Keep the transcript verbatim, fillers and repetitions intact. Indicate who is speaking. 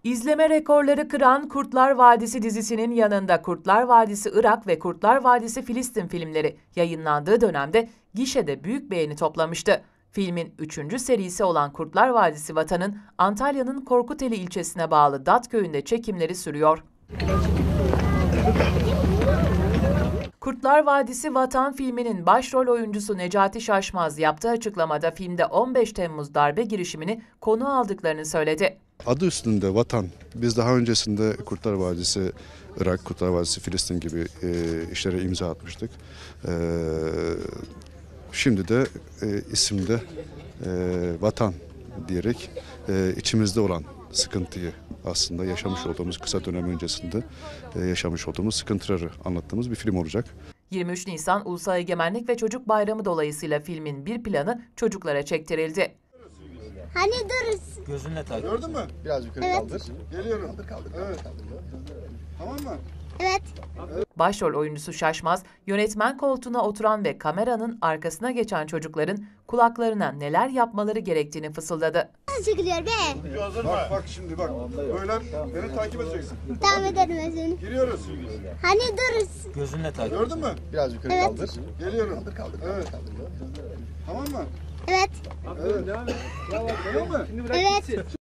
Speaker 1: İzleme rekorları kıran Kurtlar Vadisi dizisinin yanında Kurtlar Vadisi Irak ve Kurtlar Vadisi Filistin filmleri yayınlandığı dönemde gişede büyük beğeni toplamıştı. Filmin üçüncü serisi olan Kurtlar Vadisi Vatan'ın Antalya'nın Korkuteli ilçesine bağlı Dat köyünde çekimleri sürüyor. Kurtlar Vadisi Vatan filminin başrol oyuncusu Necati Şaşmaz yaptığı açıklamada filmde on beş Temmuz darbe girişimini konu aldıklarını söyledi.
Speaker 2: Adı üstünde Vatan. Biz daha öncesinde Kurtlar Vadisi Irak, Kurtlar Vadisi Filistin gibi e, işlere imza atmıştık. E, şimdi de e, isimde e, Vatan diyerek e, içimizde olan sıkıntıyı aslında yaşamış olduğumuz kısa dönem öncesinde e, yaşamış olduğumuz sıkıntıları anlattığımız bir film olacak.
Speaker 1: yirmi üç Nisan Ulusal Egemenlik ve Çocuk Bayramı dolayısıyla filmin bir planı çocuklara çektirildi.
Speaker 3: Hani duruz.
Speaker 4: Gözünle takip.
Speaker 5: Gördün mü?
Speaker 4: Biraz yukarı
Speaker 3: Evet.
Speaker 4: kaldır.
Speaker 5: Geliyorum.
Speaker 4: Kaldır kaldır.
Speaker 5: Evet.
Speaker 4: kaldır.
Speaker 5: Tamam mı?
Speaker 3: Evet.
Speaker 1: Başrol oyuncusu Şaşmaz, yönetmen koltuğuna oturan ve kameranın arkasına geçen çocukların kulaklarına neler yapmaları gerektiğini fısıldadı.
Speaker 3: Nasıl çekiliyor be?
Speaker 5: Bak bak şimdi bak. Böyle beni takip edeceksin.
Speaker 3: Devam ederim ben seni.
Speaker 5: Giriyoruz.
Speaker 3: Hani duruz.
Speaker 4: Gözünle takip.
Speaker 5: Gördün mü?
Speaker 4: Biraz yukarı
Speaker 3: Evet.
Speaker 4: kaldır.
Speaker 5: Geliyorum.
Speaker 4: Kaldır kaldır.
Speaker 5: Evet.
Speaker 4: kaldır.
Speaker 5: Tamam mı?
Speaker 3: Evet.
Speaker 5: Evet. Tamam mı?
Speaker 3: Evet.